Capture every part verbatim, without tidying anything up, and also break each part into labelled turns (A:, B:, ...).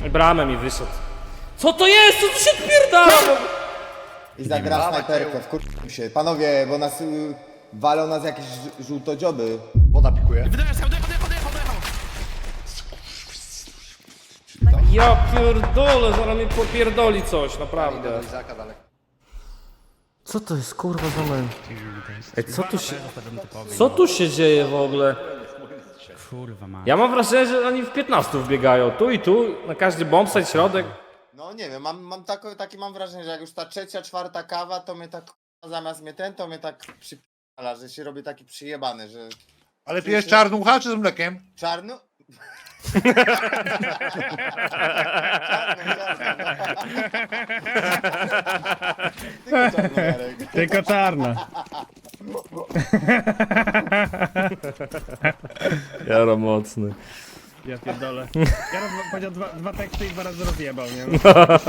A: Bramę mi wyszedł. Co to jest? Co tu się odpierdala?
B: I zagra snajperkę, wkurczę się. Panowie, bo nas y, walą nas jakieś ż- żółtodzioby.
C: Woda pikuje.
D: Wydajesz, odjechał, odjechał, odjechał!
A: Ja pierdolę, zaraz mi popierdoli coś, naprawdę.
C: Izaka daleko.
A: Co to jest kurwa za men? Ej, co tu się... Co tu się dzieje w ogóle?
D: Kurwa ma.
A: Ja mam wrażenie, że oni w piętnastu wbiegają. Tu i tu, na każdy bombsite, środek.
B: No nie wiem, mam, mam tako, takie mam wrażenie, że jak już ta trzecia, czwarta kawa, to mnie tak k***a, zamiast mnie ten, to mnie tak przypala, że się robi taki przyjebany, że
C: Ale pijesz czarnucha czy z mlekiem?
B: czarno... Tylko czarno, Jarek.
E: Tylko czarna.
A: Jaro mocny.
E: Ja pierdolę. Ja roz... powiedział dwa, dwa teksty i dwa razy rozjebał, nie?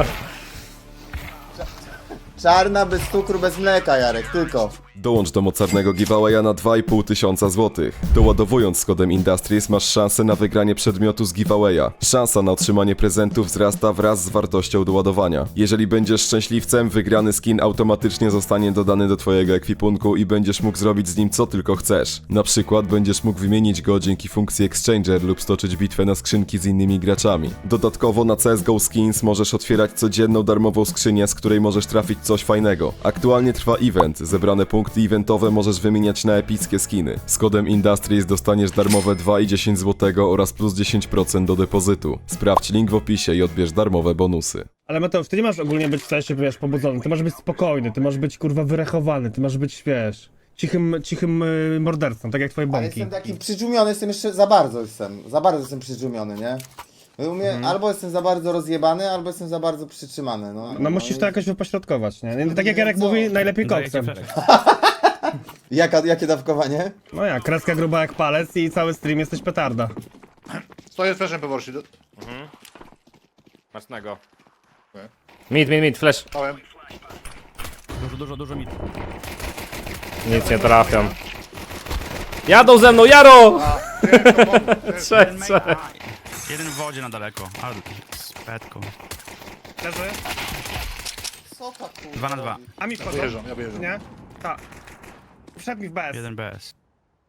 B: Czarna bez cukru, bez mleka, Jarek, tylko.
F: Dołącz do mocarnego giveawaya na dwa i pół tysiąca złotych. Doładowując z kodem Industries masz szansę na wygranie przedmiotu z giveawaya. Szansa na otrzymanie prezentów wzrasta wraz z wartością doładowania. Jeżeli będziesz szczęśliwcem, wygrany skin automatycznie zostanie dodany do twojego ekwipunku i będziesz mógł zrobić z nim co tylko chcesz. Na przykład będziesz mógł wymienić go dzięki funkcji Exchanger lub stoczyć bitwę na skrzynki z innymi graczami. Dodatkowo na C S G O Skins możesz otwierać codzienną darmową skrzynię, z której możesz trafić coś fajnego. Aktualnie trwa event, zebrane punkty eventowe możesz wymieniać na epickie skiny. Z kodem Industries dostaniesz darmowe dwa i dziesięć złotego oraz plus dziesięć procent do depozytu. Sprawdź link w opisie i odbierz darmowe bonusy.
E: Ale Mateusz, ty nie masz ogólnie być w sensie, wiesz, pobudzony. Ty masz być spokojny, ty masz być kurwa wyrechowany, ty masz być, wiesz, cichym, cichym y, mordercą, tak jak twoje
B: Ale
E: bąki.
B: jestem taki przydżumiony, jestem jeszcze za bardzo jestem, za bardzo jestem przydżumiony, nie? U mnie
E: Mhm.
B: albo jestem za bardzo rozjebany, albo jestem za bardzo przytrzymany, no.
E: No musisz to jakoś wypośrodkować, nie? nie tak jak Jarek mówi, najlepiej koksem.
B: Jaka, jakie dawkowanie?
E: No ja, kreska gruba jak palec i cały stream jesteś petarda.
C: Stoję z fleszem po do...
A: Mocnego.
C: Okay.
A: Mid, mid, mid, flash.
C: Stałem.
D: Dużo, dużo, dużo mit.
A: Nic nie trafiam. Jadą ze mną, Jaro! Trzech,
D: Jeden,
A: trzech.
D: main- a, jeden w wodzie na daleko. Ale z petką.
E: Leży?
B: Co ta kurwa
D: Dwa na dwa.
B: robi?
E: A mi
C: Ja
E: wchodzą?
C: wyjeżdżam, ja wyjeżdżam.
E: Nie? Tak. Wszedł mi w B S.
D: Jeden B S.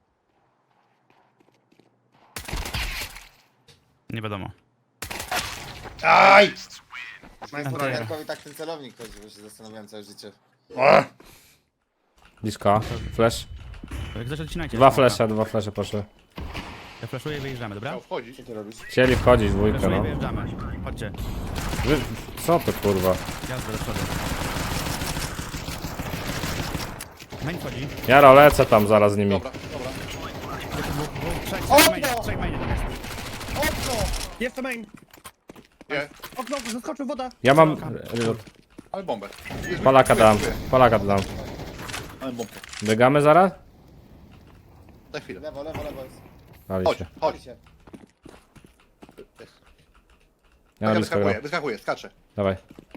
D: Nie wiadomo.
C: Aj!
B: Jarkowi tak ten celownik chodzi, bo się zastanawiałem całe życie.
A: Blisko, flash.
D: Jak coś odcinajcie.
A: Dwa
D: smoka.
A: flashe, dwa flashe poszły.
D: Ja flashuję i wyjeżdżamy, dobra?
C: Miał wchodzić.
B: Co ty robisz?
A: Chcieli wchodzić dwójkę,
D: Flashuję i
A: no.
D: wyjeżdżamy. Chodźcie.
A: Wy... Co to kurwa?
D: Jazda do przodu. Main wchodzi.
A: Jaro, lecę tam zaraz z nimi.
C: Dobra, dobra.
D: Trzech, trzech mainie, trzech mainie tam jest.
E: Jeszcze main.
C: Nie,
E: Okno, zaskoczył woda.
A: Ja mam... reload.
C: ale bombę.
A: Palaka dam, palaka dam.
C: Ale bombę.
A: Biegamy zaraz?
C: Za chwilę.
B: Lewo, lewo, lewo jest.
A: Dali
C: Chodź,
A: się.
C: chodź.
B: Chodźcie.
A: Ja na
C: Ja
A: blisko
C: wyskakuję,
A: gram.
C: wyskakuję, skaczę.
A: Dawaj.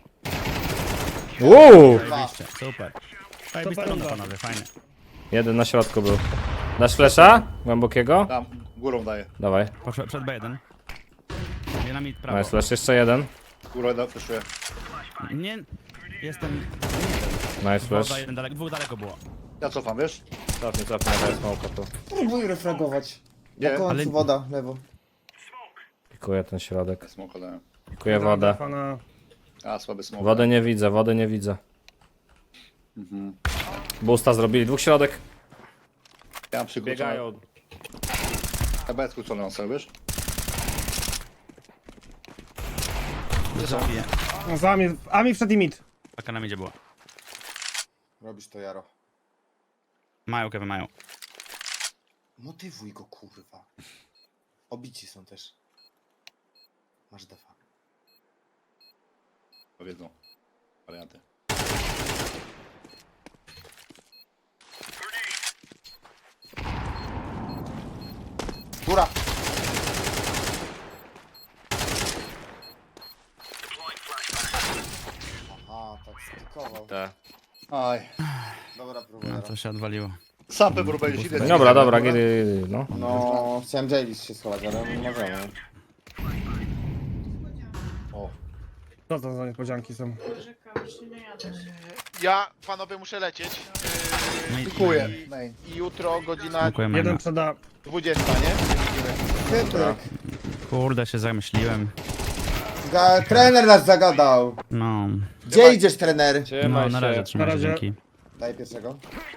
A: Uuu!
D: Zajebiście, super. Zajebista runda, panowie, fajnie.
A: Jeden na środku był. Dasz flesza? Głębokiego?
C: Tam, górą daję.
A: Dawaj.
D: Poszedł przed B jeden. Nie na mid prawo.
A: Nice flash, jeszcze jeden.
C: Górą da, fleszuję.
D: Nie, jestem...
A: Nice flash.
D: Woda jeden daleko, dwóch daleko było.
C: Ja cofam, wiesz?
A: Cofnij, cofnij, daj smoka tu.
B: Próbuj refragować.
C: Nie,
B: Na końcu
D: ale-
B: woda, lewo.
A: Pikuję ten środek.
C: Smoka dałem.
A: Pikuję wodę.
E: Pana...
C: A, słaby smok.
A: Wodę nie widzę, wody nie widzę. Boosta zrobili, dwóch środek.
C: Ja mam przykrócone.
A: Biegają.
C: Ja będę skrócony na sobie, wiesz?
D: Zabiję.
E: No, za mnie, a mi wszedł i mid.
D: Taka na midzie była.
B: Robisz to, Jaro.
D: Mają, Kevin, mają.
B: Motywuj go, kurwa. Obici są też. Masz defa.
C: Powiedzą. Warianty.
B: Góra! Aha, tak stikował.
A: Tak.
C: Aj.
B: Dobra próba,
D: No
B: Jaro.
D: to się odwaliło.
C: Sam pewnie będziesz idę.
A: Dobra, dobra, gdy, gdy, no.
B: No, chciałem Javis się schować, ale nie możemy.
E: Co to za niespodzianki są?
G: Ja, panowie, muszę lecieć.
D: No i-
C: Dziękuję. Main.
G: Yy, jutro godzina
D: Dziękuję,
E: Jeden
D: Jeden...
E: przeda...
G: dwudziesta, nie?
B: Piotrek,
D: Kurde, się zamyśliłem.
B: ga- trener nas zagadał.
D: No,
B: Gdzie idziesz, trener?
D: no na razie trzymaj
E: Na
D: się,
E: razie.
D: dzięki.
B: Daj pierwszego.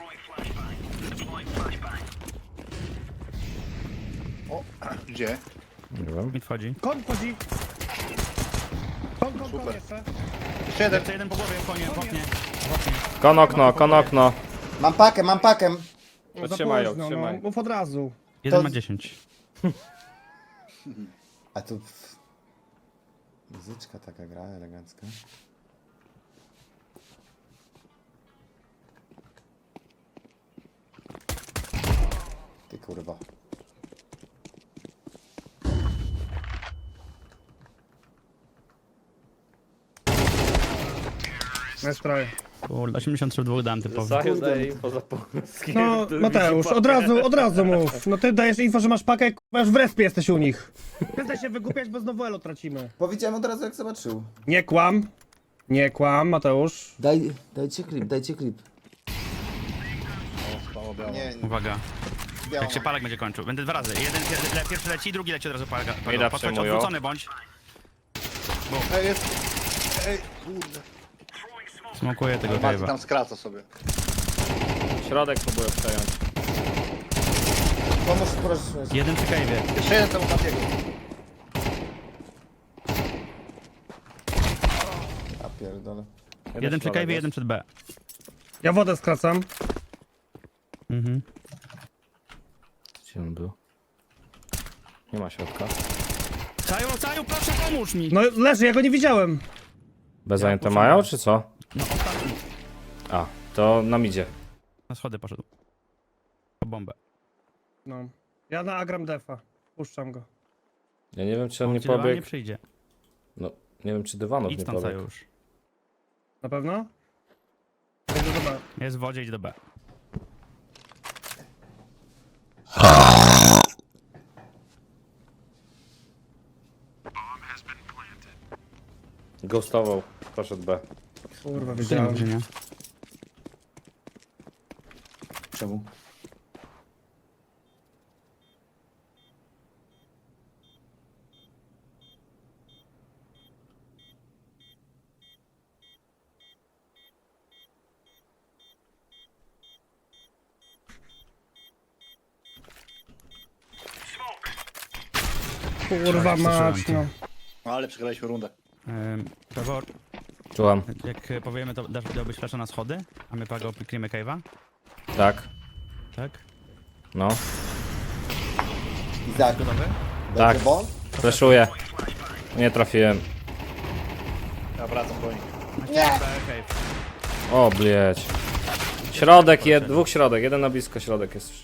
C: Gdzie?
D: Mi wchodzi.
E: Kon wchodzi! Kon, kon, kon
C: Super.
E: jeszcze.
C: Jeszcze jeden.
D: Jeszcze jeden po głowie, konie, w oknie.
A: Kon okno, kon okno.
B: Mam pakę, mam pakę.
E: No, za
A: Trzymaj ją,
E: późno,
A: trzymaj.
E: no. Mów od razu.
D: Jeden
B: To-
D: ma dziesięć.
B: A tu... Muzyczka taka gra elegancka. Ty kurwa.
E: Nastroje.
D: Kurde, osiemdziesiąt trzy w dwóch dałem typowo.
A: Zaju daje info za polskie.
E: No, Mateusz, od razu, od razu mów. No ty dajesz info, że masz pakę, k***a, już w respie jesteś u nich. Przestań się wygłupiać, bo znowu elo tracimy.
B: Powiedziałem od razu jak zobaczył.
E: Nie kłam. Nie kłam, Mateusz.
B: Daj, dajcie klip, dajcie klip.
C: Spało biało.
B: Nie, nie,
D: Uwaga,
B: biało.
D: jak się palak będzie kończył. Będę dwa razy. Jeden pier- le, pierwszy leci, drugi leci od razu palak.
A: Mida
D: Podchodź,
A: przejmują.
D: odwrócony bądź.
C: Ej, jest. Ej, kurde.
D: Smokuję tego
C: Mati
D: cave'a.
C: tam skraca sobie.
A: Środek próbuję przejąć.
B: Pomóż, proszę.
D: Jeden przy cave'ie.
C: Jeszcze jeden temu Matiego.
B: A pierdolę.
D: Jeden przy
A: środek
D: cave'ie,
A: jest.
D: jeden przed B.
E: Ja wodę skracam.
D: Mhm.
A: Gdzie on był? Nie ma środka.
D: Caju, Caju, proszę pomóż mi!
E: No leży, ja go nie widziałem.
A: Bez
D: Ja
A: zajęte
D: poszedłem.
A: mają, czy co?
D: No ostatni.
A: A, to nam idzie.
D: Na schody poszedł. Po bombę.
E: No. Ja na Agram Defa. Puszczam go.
A: Ja nie wiem, czy on nie
D: Ci dywan nie
A: pobiegł.
D: przyjdzie.
A: No, nie wiem, czy dywanów
D: Idź
A: nie
D: tam, Caju
A: pobiegł.
D: już.
E: Na pewno? Będzie dobra.
D: Jest w wodzie, idź do B.
A: Ghostował, poszedł B.
E: Kurwa,
D: Gdzie
E: wiedziałem.
D: nie?
B: Czemu?
E: Kurwa mać, no.
C: No ale przegraliśmy rundę.
D: Ym, Trevor,
A: Czułam.
D: jak e, powiemy, to dasz dałbyś flasza na schody, a my pago pikniemy cave'a,
A: Tak,
D: tak?
A: no.
B: Izak,
D: Gotowy?
A: Tak.
B: będzie bol?
A: Fleszuję. Nie trafiłem.
C: Ja wracam do nich.
B: Nie!
D: B, cave.
A: O, blieć. Środek, jed, dwóch środek, jeden na blisko środek jest.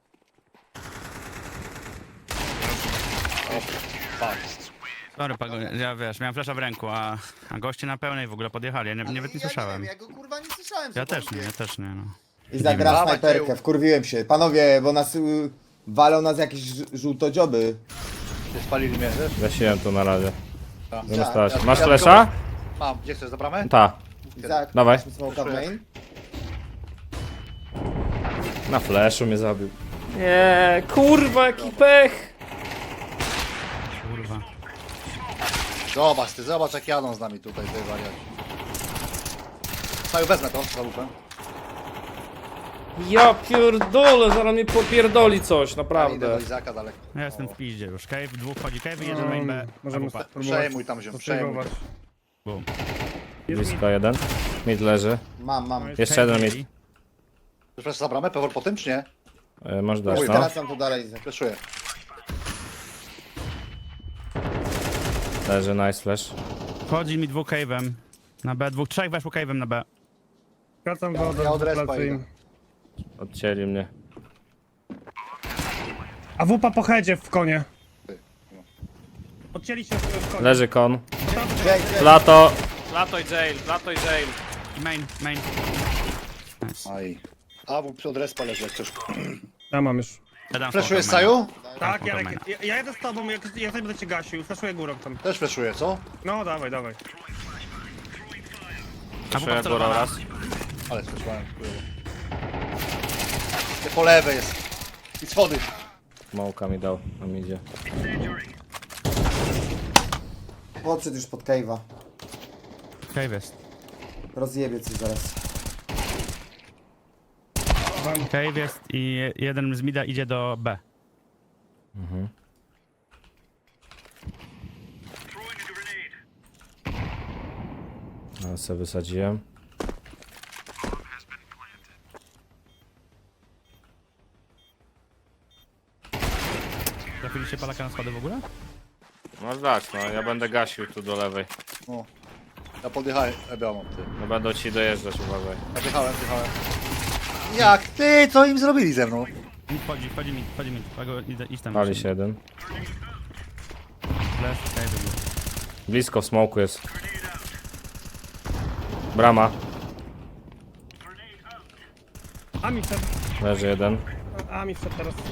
D: Sorry, pago, ja wiesz, miałem flasza w ręku, a, a goście na pełnej w ogóle podjechali, ja nie,
B: Ale
D: nawet nie
B: ja
D: słyszałem.
B: wiem, ja go kurwa nie słyszałem. co
D: Ja
B: to
D: też nie,
B: mówię.
D: ja też nie, no.
B: I zagra
C: Dawaj,
B: snajperkę,
C: tył.
B: wkurwiłem się. Panowie, bo nas y, walą nas jakieś ż- żółtodzioby.
C: Ty spalili mnie, wiesz?
A: Gasiłem tu na razie.
C: Tak.
A: Zamiast
C: Ja-
A: stać.
C: ja-
A: Masz
C: ja-
A: flesza?
C: Mam, gdzie chcesz, za bramę?
A: Ta.
B: Izak,
A: Dawaj.
B: masz mi smoka w main?
A: Na fleszu mnie zabił. Nie, kurwa, jaki pech.
D: Kurwa.
C: Zobacz ty, zobacz jak jadą z nami tutaj, ty wariaci. Saju, wezmę to, za lupę.
A: Ja pierdolę, zaraz mnie popierdoli coś,
C: Idę do
A: naprawdę.
C: Izaka daleko.
D: Ja jestem w piździe już. Cave, dwóch wchodzi cave, jeden main B.
E: Możemy
D: A W P.
E: spróbować
C: Przejmuj tam ziom, przejmuj.
E: obserwować.
D: Boom.
A: Blisko jeden. Mid leży.
B: Mam, mam.
A: Jeszcze
D: Cave
A: jeden
D: mieli.
A: mid.
C: Chcesz flash za bramę, pewor po tym, czy nie?
A: E, Masz dać,
C: Uj,
A: no.
B: Wracam tu dalej, Izak.
C: Flashuję.
A: Leży, nice flash.
D: Wchodzi mi dwóch cave'em. Na B, dwóch, trzech weszło cave'em na B.
E: Skracam wodę,
C: ja od respa
E: plecy im.
C: idę.
A: Odcięli mnie.
E: A wupa po headzie w konie. Odcięli się w konie.
A: Leży kon.
B: Jack, Jack.
A: Plato. Plato i jail, plato i jail.
D: Main, main. Nice.
C: Aj. A, bo od respa leży jak coś.
E: Ja mam już.
D: Ja dam
C: Flashujesz,
D: smoka maina.
C: Saju?
E: Tak,
D: spoko,
E: Jarek,
D: main.
E: ja, ja jedę z tobą, jak ja też będę cię gasił, flaszuję górą tam.
C: Też flashuję, co?
E: No, dawaj, dawaj.
D: A
H: Przejąłem
D: wupa
H: góra raz.
C: Ale słyszałem, kurwa. Ty po lewej jest. I schody.
H: Smołka mi dał, a mi idzie.
B: Podszedł już pod cave'a.
D: Cave jest.
B: Rozjebie coś zaraz.
D: Cave jest i je- jeden z mida idzie do B.
H: No, sobie wysadziłem.
D: Trafiliście palaka na schody w ogóle?
H: No tak, no ja będę gasił tu do lewej.
C: No. Ja podjechałem, ja mam ty.
H: No będą ci dojeżdżać, uważaj.
C: Ja wjechałem, wjechałem. Jak ty? Co im zrobili ze mną?
D: Mi wchodzi, wchodzi mi, wchodzi mi. Pago, idę, idź tam.
H: Pali się jeden.
D: Flash, cave był.
H: Blisko w smoku jest. Brama.
E: A mi wszedł,
H: Leży jeden.
E: a mi wszedł teraz.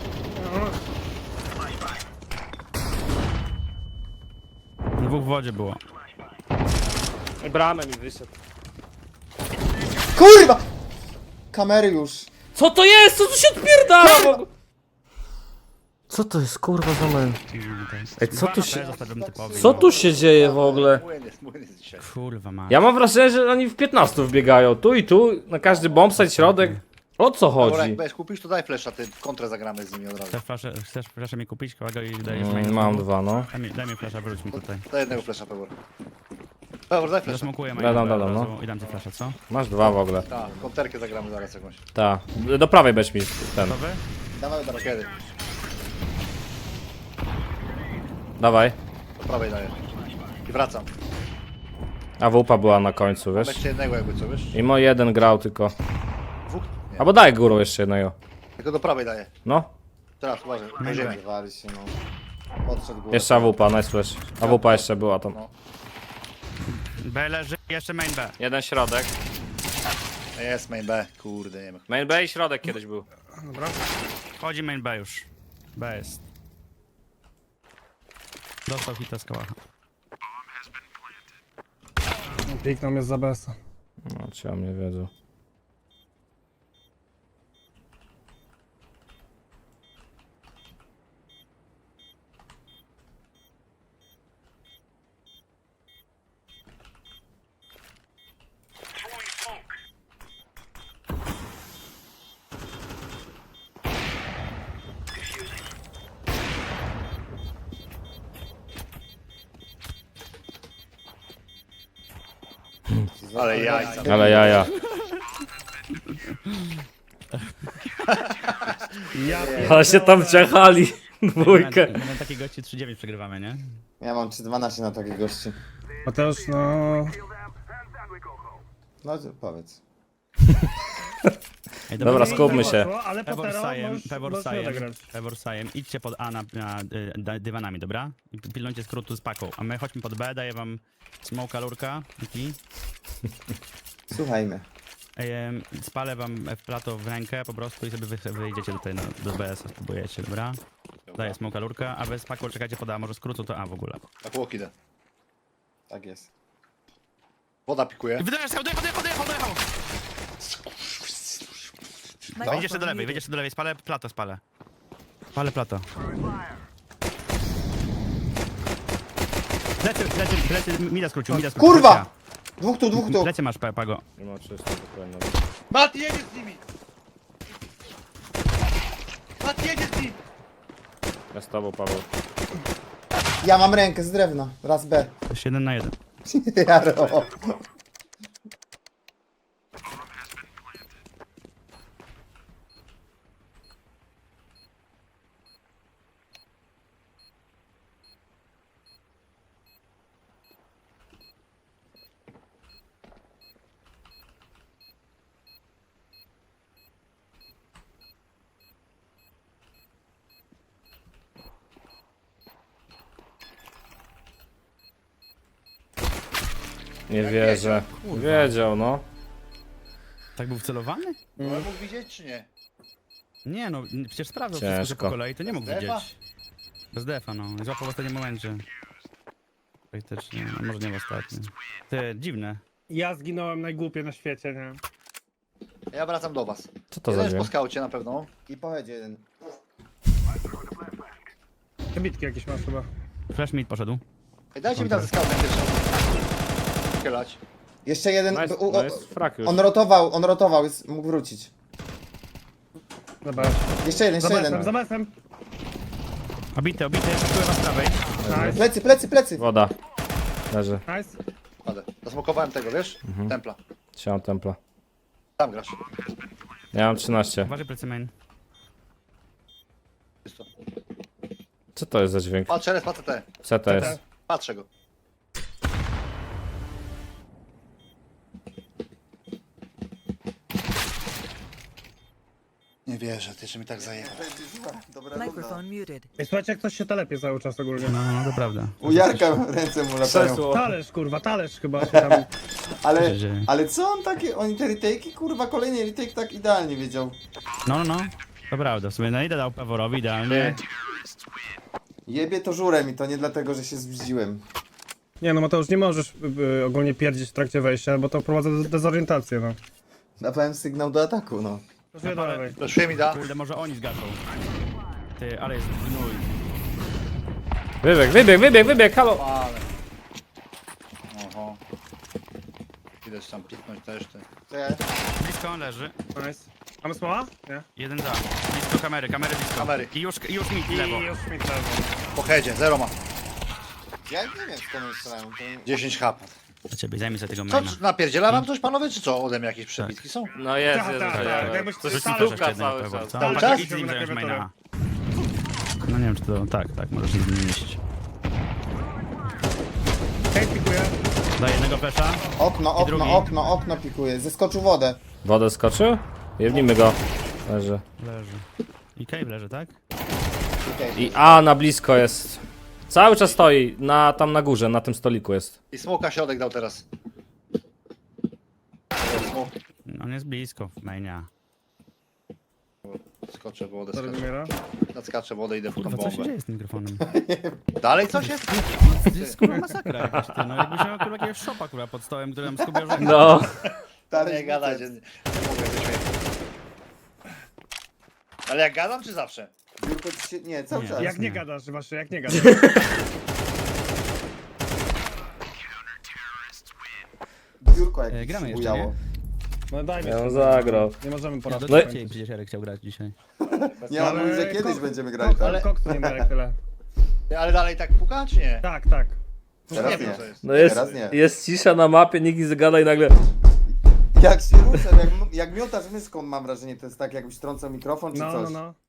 D: Dwóch w wodzie było.
H: I bramę mi wyszedł.
B: Kurwa! Kamery już.
A: Co to jest? Co tu się odpierdala w ogóle? Co to jest kurwa za mem? Ej, co tu się...
D: Zostawiam typowi.
A: Co tu się dzieje w ogóle?
C: Młyn jest, młyn jest dzisiaj.
D: Kurwa ma.
H: Ja mam wrażenie, że oni w piętnastu wbiegają. Tu i tu, na każdy bombsite, środek. O co
C: Dobra, jak
H: chodzi?
C: będziesz kupisz, to daj flesza, ty w kontrę zagramy z nimi od razu.
D: Chcesz flaszę, chcesz flaszę mi kupić? Kogo i dajesz
H: Mm,
D: main?
H: mam dwa, no.
D: Daj mi, daj mi flasza, wróć mi tutaj.
C: Daj jednego flesza, Pebor. Pebor, daj flesza.
D: Zasmokuję main.
H: Dodam,
D: od
H: dodam,
D: razu
H: no.
D: I dam ci flasza, co?
H: Masz dwa w ogóle.
C: Tak, konterkę zagramy zaraz jakąś.
H: Ta. Do prawej weź mi ten.
D: Gotowy?
B: Dawaj, dawaj.
C: Kiedy?
H: Dawaj.
C: Do prawej daję. I wracam.
H: A wupa była na końcu, wiesz?
C: Weźcie jednego jakby co, wiesz?
H: I mo jeden grał tylko.
C: Dwóch? Nie.
H: Albo daj górą jeszcze jednego.
C: Tylko do prawej daję.
H: No.
C: Teraz, uważaj, na ziemię.
B: Wali się, no. Podszedł górę.
H: Jeszcze A W P, nice flash. A W P jeszcze była tam.
D: B leży, jeszcze main B.
H: Jeden środek.
C: Jest main B, kurde, nie wiem.
H: Main B i środek kiedyś był.
D: Wchodzi main B już. B jest. Dostał hita z kałacha.
E: Piękną jest za besa.
H: No, ci o mnie wiedzą.
C: Ale jajca.
H: Ale jaja.
E: Ja
H: Ale się tam ciachali. Dwójkę.
D: Na, na takiej gości trzy dziewięć przegrywamy, nie?
B: Ja mam trzy dwanaście na takich gości.
E: Mateusz, no...
B: No to powiedz.
D: Ej,
H: Dobra, skupmy się.
E: Ale po
D: Pevor
E: teraz
D: Sajem,
E: możesz,
D: Pevor
E: możesz
D: Sajem,
E: odegrać.
D: Pevor Sajem, idźcie pod A na, na y, da- dywanami, dobra? I pilnujcie skrótu z paką, a my chodźmy pod B, daję wam smoka, lurka, i
B: Słuchajmy.
D: em, spalę wam w plato w rękę po prostu i sobie wy, wyjdziecie tutaj na, do B S, spróbujecie, dobra? Daję smoka, lurka, a wy z paką czekajcie pod A, może skrótu to A w ogóle.
C: Tak łok idę.
B: Tak jest.
C: Woda pikuje.
D: Wydajesz, odjechał, odjechał, odjechał, odjechał! Wejdziesz jeszcze do lewej, wejdziesz jeszcze do lewej, spalę plato, spalę. Spalę plato. Plecy, plecy, plecy, mida skrócił, mida skrócił.
B: Kurwa! Dwóch tu, dwóch tu.
D: Plecy masz, Pa- Pago.
H: Nie ma czysto, dokładnie.
C: Mat, jedzie z nimi! Mat, jedzie z nimi!
H: Ja z tobą, Paweł.
B: Ja mam rękę z drewna. Raz B.
D: Jeszcze jeden na jeden.
B: Jaro.
H: Nie wierzę. Wiedział, no.
D: Tak był wcelowany?
C: Ale mógł widzieć czy nie?
D: Nie no, przecież sprawdzał
H: Ciężko.
D: wszystko że po kolei, to nie mógł
C: Bez defa?
D: widzieć. Bez defa, no. Złapał w ostatnim momencie. Praktycznie, no może nie w ostatnim. Ty, dziwne.
E: Ja zginąłem najgłupiej na świecie, nie?
C: Ja wracam do was.
H: Co to
C: Jeden
H: za
C: jest po
H: dźwięk?
C: skaucie na pewno.
B: I pojedzie jeden.
E: Bitki jakieś masz chyba.
D: Flash mid poszedł.
C: Ej, dajcie mi tam ze skautem pierwszą. Kielać.
B: Jeszcze jeden.
H: No jest,
B: u-
H: no
B: o-
H: jest frak już.
B: on rotował, on rotował, jest, mógł wrócić.
E: Zobacz.
B: Jeszcze jeden,
E: Za
B: jeszcze
E: besem,
B: jeden.
E: za besem.
D: Obity, obity, pakuję was z prawej.
E: Nice,
B: Plecy, plecy, plecy.
H: Woda. Leży.
E: nice.
C: Padę. Zasmokowałem tego, wiesz?
H: Mhm.
C: Templa.
H: Trzymam templa.
C: Tam grasz.
H: Ja mam trzynaście.
D: Uważaj plecy main.
C: Czysto.
H: Co to jest za dźwięk?
C: Patrzę, res, patrzę te.
H: Co to jest?
C: Patrzę go. Nie wierzę, ty jeszcze mi tak zajebał.
B: Dobra runda.
I: Microphone muted.
E: Ej, słuchajcie, jak ktoś się telepie cały czas ogólnie.
D: No, no, to prawda.
B: U Jarka ręce mu latają.
H: Krzesło.
E: Talerz, kurwa, talerz chyba się tam...
B: Ale,
D: się dzieje?
B: ale co on takie, oni te retake'i, kurwa, kolejny retake tak idealnie wiedział.
D: No, no, no. To prawda, w sumie na idę dał Peworowi idealnie.
B: Jebie to żurem i to nie dlatego, że się zbździłem.
E: Nie no, Mateusz, nie możesz y, y, ogólnie pierdzić w trakcie wejścia, bo to wprowadza do dezorientację, no.
B: Dawałem sygnał do ataku, no.
E: Proszę dalej.
C: Proszę mi da.
D: Kurde, może oni zgaszą. Ty, ale jest gnój.
H: Wybieg, wybieg, wybieg, wybieg, halo!
C: Ale. Oho. Idę tam piknąć też ty.
B: Czekaj.
D: Blisko on leży.
E: Nice. Mamy smoła? Nie.
D: Jeden za. Blisko kamery, kamery blisko.
C: Kamery.
D: I już, i już mid, lewo.
E: I już mi lewo.
C: Po headzie, zero ma.
B: Ja nie wiem skąd oni strzelają. To...
C: dziesięć hap.
D: Dla ciebie, zajmij sobie tego
C: Co,
D: maina.
C: napierdziela wam coś panowie, czy co? Ode mnie jakieś przebitki są?
H: No jest,
E: Tak,
H: jest.
E: tak,
H: jest,
E: tak,
H: jest.
E: jakbyś
H: To
E: coś
H: jest
E: tam
H: piłka
D: jeszcze
H: cały
D: jednego
H: czas.
D: Pewor.
C: Cały
D: Tak,
C: czas?
D: idź z nim zająć
E: Klawiaturę.
D: maina. No nie wiem czy to... Tak, tak, możesz się z nim mieścić.
E: Hej, pikuję.
D: Daj jednego flesza.
B: Okno,
D: drugi.
B: okno, okno, okno pikuje. Zeskoczył wodę.
H: Wodę skoczył? Jebnijmy go. Leży.
D: Leży. I cave leży, tak?
H: I A na blisko jest. Cały czas stoi, na, tam na górze, na tym stoliku jest.
C: I smoka środek dał teraz. Smok.
D: On jest blisko w mainia.
C: Skoczę w wodę,
E: Zaraz
C: skaczę.
E: umiera.
C: Nadskaczę w wodę, idę w
D: Kurwa, co się
C: bombę.
D: dzieje z tym mikrofonem?
C: Dalej coś jest?
D: To jest kurwa masakra jakaś, ty. No jakbyś miał kurwa jakiegoś szopa kurwa pod stołem, który nam skubiał że...
H: No.
C: Nie gadać, nie, nie mogę wyśmieć. Ale jak gadam, czy zawsze?
B: Biurko ci się... Nie, cały
D: Nie.
B: czas.
E: Jak nie
D: nie.
E: gadasz, właśnie, jak nie gadasz.
B: Biurko
D: E,
B: jakieś
D: gramy
B: się
D: jeszcze,
B: bujało.
E: No dajmy
H: Ja
E: się.
H: on zagrał.
E: Nie możemy
D: No
E: poradzić.
H: No i-
D: dzisiaj przecież Jarek chciał grać dzisiaj.
B: Nie mam
E: Ale
B: że kiedyś
E: kok-
B: będziemy grali tak.
C: ale-
E: Koksu nie ma jak tyle.
C: Ale dalej tak puka, czy nie?
E: Tak, tak.
B: Teraz
C: nie wiem,
B: nie.
C: co jest.
H: No jest,
B: Teraz nie.
H: jest cisza na mapie, nikt nie zagada i nagle...
B: Jak się ruszę, jak, jak miotasz myską mam wrażenie, to jest tak jakbyś trącał mikrofon czy
E: No,
B: coś.
E: no, no.